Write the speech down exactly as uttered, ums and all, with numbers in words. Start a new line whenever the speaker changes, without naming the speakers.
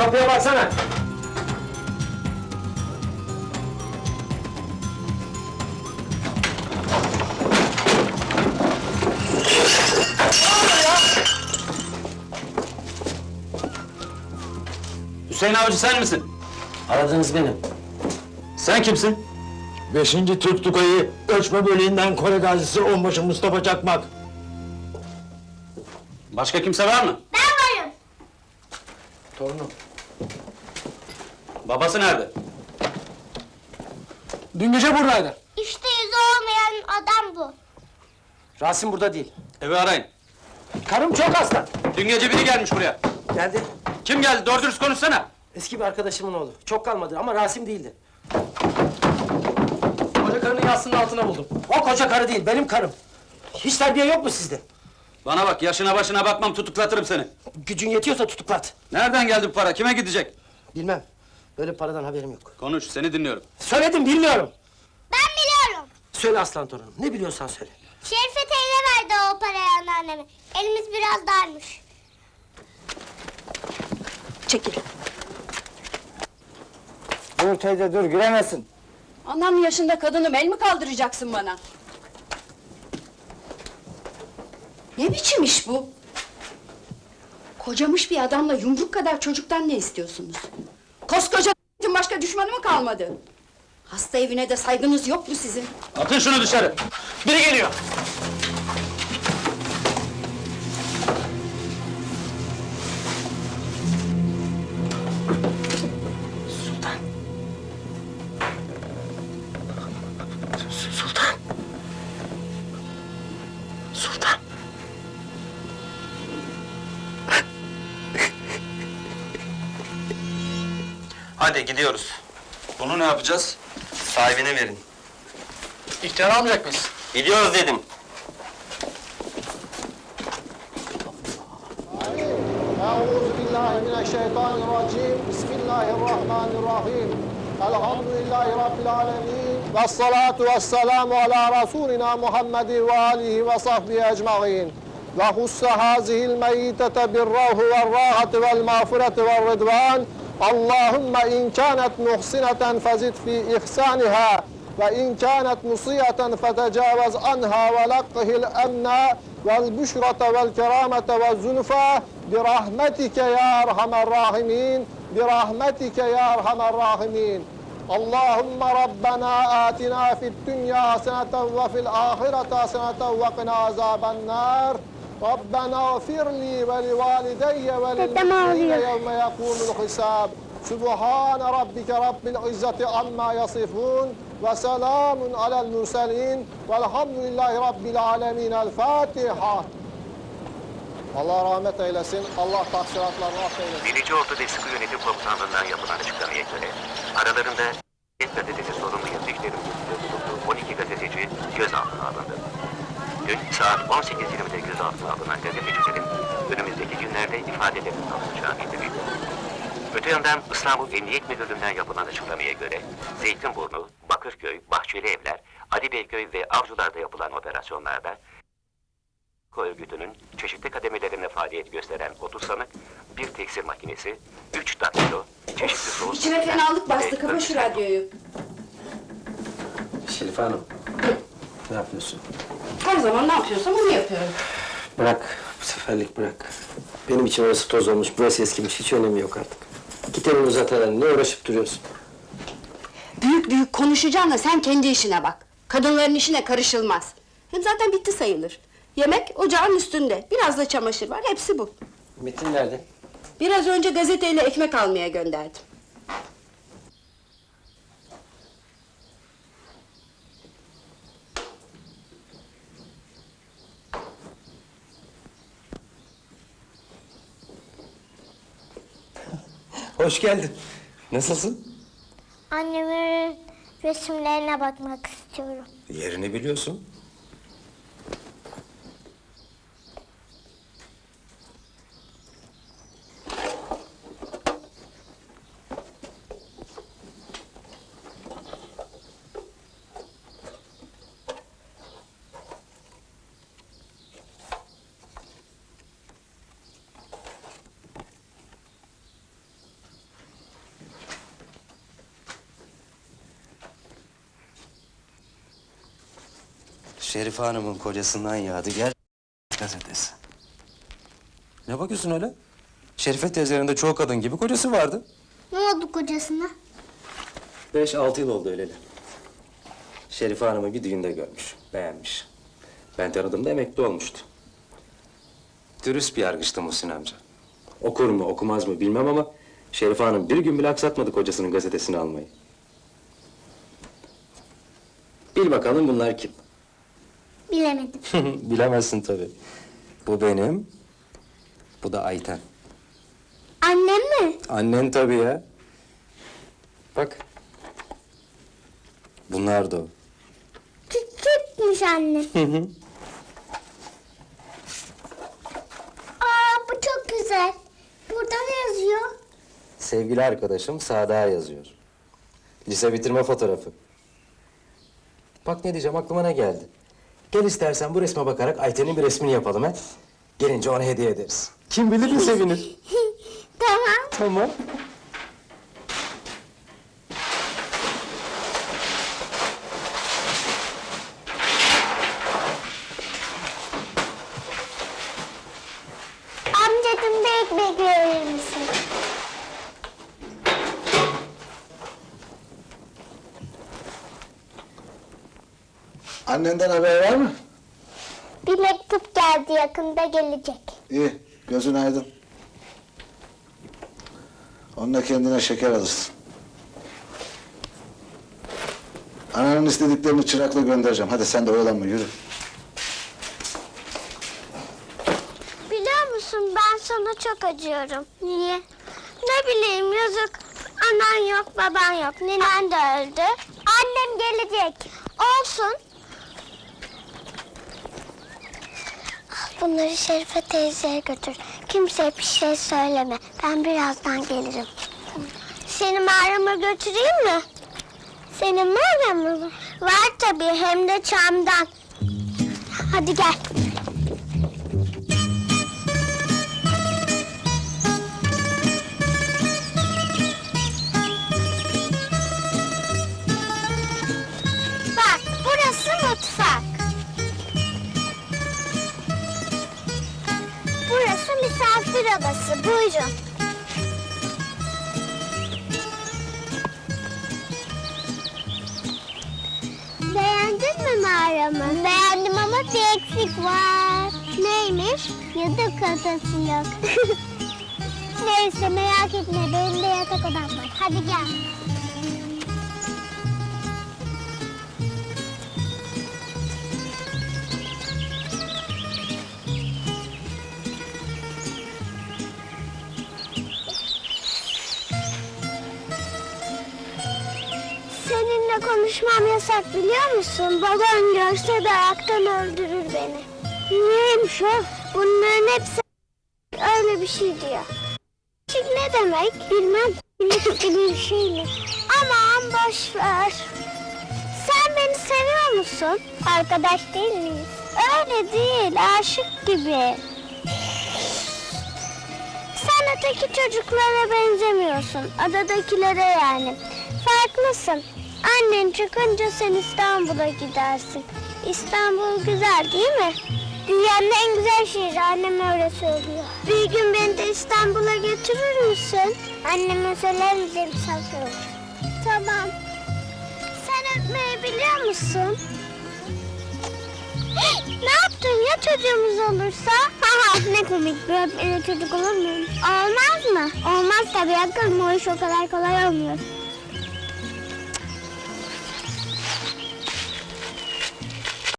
kapıya baksana.
Hüseyin Avcı sen misin?
Aradığınız benim.
Sen kimsin?
Beşinci Türk Tugayı ölçme bölüğünden Kore gazisi onbaşı Mustafa Çakmak.
Başka kimse var mı?
Ben varım.
Torunum.
Babası nerede?
Dün gece buradaydı.
İşte yüzü olmayan adam bu.
Rasim burada değil.
Evi arayın.
Karım çok hasta.
Dün gece biri gelmiş buraya.
Geldi.
Kim geldi? Doğru dürüst konuşsana.
Eski bir arkadaşımın oğlu. Çok kalmadı ama Rasim değildi. Koca karının yastığının altına buldum. O koca karı değil, benim karım. Hiç terbiye yok mu sizde?
Bana bak, yaşına başına bakmam, tutuklatırım seni.
Gücün yetiyorsa tutuklat.
Nereden geldi bu para? Kime gidecek?
Bilmem. Böyle paradan haberim yok.
Konuş, seni dinliyorum.
Söyledim, bilmiyorum.
Ben biliyorum.
Söyle aslan torunum, ne biliyorsan söyle.
Şerife teyze verdi o parayı anneanneme. Elimiz biraz darmış.
Çekil.
Dur teyze dur, giremezsin.
Anam yaşında kadınım, el mi kaldıracaksın bana? Ne biçim iş bu? Kocamış bir adamla yumruk kadar çocuktan ne istiyorsunuz? Koskoca başka düşmanı mı kalmadı? Hasta evine de saygınız yok mu sizin?
Atın şunu dışarı.
Biri geliyor. Sultan. Sultan. Sultan.
Hadi gidiyoruz.
Bunu ne yapacağız?
Sahibine verin.
İhtiyar almayacak mıyız?
Gidiyoruz dedim.
أعوذ بالله من الشيطان الرجيم بسم الله الرحمن الرحيم الحمد لله رب العالمين والصلاة والسلام على رسولنا محمد وآله وصحبه أجمعين وخص هذه الميتة بالروح والراحة والمغفرة والرضوان اللهم إن كانت محسنة فزد في إحسانها وإن كانت مسيئة فتجاوز عنها ولقه الأمن والبشرة والكرامة والزلفى برحمتك يا أرحم الراحمين برحمتك يا أرحم الراحمين اللهم ربنا آتنا في الدنيا حسنة وفي الآخرة حسنة وقنا عذاب النار ربنا اغفر لي ولوالدي وللمؤمنين يوم يقوم الحساب سبحان ربك رب العزة عما يصفون وسلام على المرسلين والحمد لله رب العالمين الفاتحة Allah rahmet eylesin, Allah taksiratlarını affeylesin.
Birinci Ordu ve Sıkı Yönetim Komutanlığı'ndan yapılan açıklamaya göre, aralarında Et Gazetesi sorumlu yazıcıların bulunduğu on iki gazeteci gözaltına alındı. Dün saat on sekiz yirmide gözaltına alınan gazetecilerin önümüzdeki günlerde ifadelerinin alınacağı bildirildi. Öte yandan İstanbul Emniyet Müdürlüğü'nden yapılan açıklamaya göre Zeytinburnu, Bakırköy, Bahçeli Evler, Ali Beyköy ve Avcılar'da yapılan operasyonlarda örgütünün çeşitli kademelerinde faaliyet gösteren otuz sanık, bir tekstil makinesi, üç daktilo, çeşitli soğuk...
İçime fenalık bastı, kapa şu radyoyu.
Şerife Hanım. Ne yapıyorsun?
Her zaman ne yapıyorsam onu yapıyorum.
Bırak, bu seferlik bırak. Benim için orası toz olmuş, burası eskimiş, hiç önemi yok artık. Git elini uzat hele, ne uğraşıp duruyorsun?
Büyük büyük konuşacağına sen kendi işine bak. Kadınların işine karışılmaz. Hem zaten bitti sayılır. Yemek ocağın üstünde, biraz da çamaşır var, hepsi bu.
Metin nerede?
Biraz önce gazeteyle ekmek almaya gönderdim.
Hoş geldin. Nasılsın?
Annemin resimlerine bakmak istiyorum.
Yerini biliyorsun. Şerife Hanım'ın kocasından Yadigar gazetesi. Ne bakıyorsun öyle? Şerife teyzenin de çoğu kadın gibi kocası vardı.
Ne oldu kocasına?
Beş altı yıl oldu öleli. Şerife Hanım'ı bir düğünde görmüş, beğenmiş. Ben tanıdığımda emekli olmuştu. Dürüst bir yargıçtı Muhsin amca. Okur mu, okumaz mı bilmem ama Şerife Hanım bir gün bile aksatmadı kocasının gazetesini almayı. Bil bakalım bunlar kim?
Bilemedim.
Bilemezsin tabii. Bu benim, bu da Ayten.
Annem mi?
Annen tabii ya. Bak. Bunlar da o.
Küçükmüş annem. Aa bu çok güzel. Burada ne yazıyor?
Sevgili arkadaşım Sadık'a yazıyor. Lise bitirme fotoğrafı. Bak ne diyeceğim, aklıma ne geldi. Gel istersen bu resme bakarak Ayten'in bir resmini yapalım he. Gelince ona hediye ederiz. Kim bilir ne sevinir.
Tamam.
Tamam.
Amcacığım bir ekmek verir misin?
Annenden haber var mı?
Bir mektup geldi, yakında gelecek.
İyi, gözün aydın. Onunla kendine şeker alırsın. Ananın istediklerini çırakla göndereceğim. Hadi sen de oyalanma, yürü.
Biliyor musun, ben sana çok acıyorum. Niye? Ne bileyim, yazık. Anan yok, baban yok. Ninen de öldü. Annem gelecek. Olsun. Bunları Şerife teyzeye götür. Kimseye bir şey söyleme. Ben birazdan gelirim. Seni mağarama götüreyim mi? Senin mağaran mı var? Var tabii, hem de çamdan. Hadi gel. Bak, burası mutfak. Burası misafir odası, buyurun. Beğendin mi mağaramı? Beğendim ama bir eksik var. Neymiş? Yatak odası yok. Neyse merak etme, benim de yatak odam var. Hadi gel. Seninle konuşmam yasak biliyor musun? Babam görse dayaktan öldürür beni. Niyeymiş o? Bunların hepsi öyle bir şey diyor. Şık ne demek? Bilmem. Bilmek gibi bir şey mi? Aman boş ver. Sen beni seviyor musun? Arkadaş değil miyiz? Öyle değil, aşık gibi. Sen öteki çocuklara benzemiyorsun. Adadakilere yani. Farklısın. Annen çıkınca sen İstanbul'a gidersin. İstanbul güzel değil mi? Dünyanın en güzel şehri, annem öyle söylüyor. Bir gün beni de İstanbul'a götürür müsün? Anneme söyler misin misafir olur. Tamam. Sen öpmeyi biliyor musun? Ne yaptın ya çocuğumuz olursa? Ha ne komik, bir öpmeli çocuk olur mu? Olmaz mı? Olmaz tabii, akıllı o iş o kadar kolay olmuyor.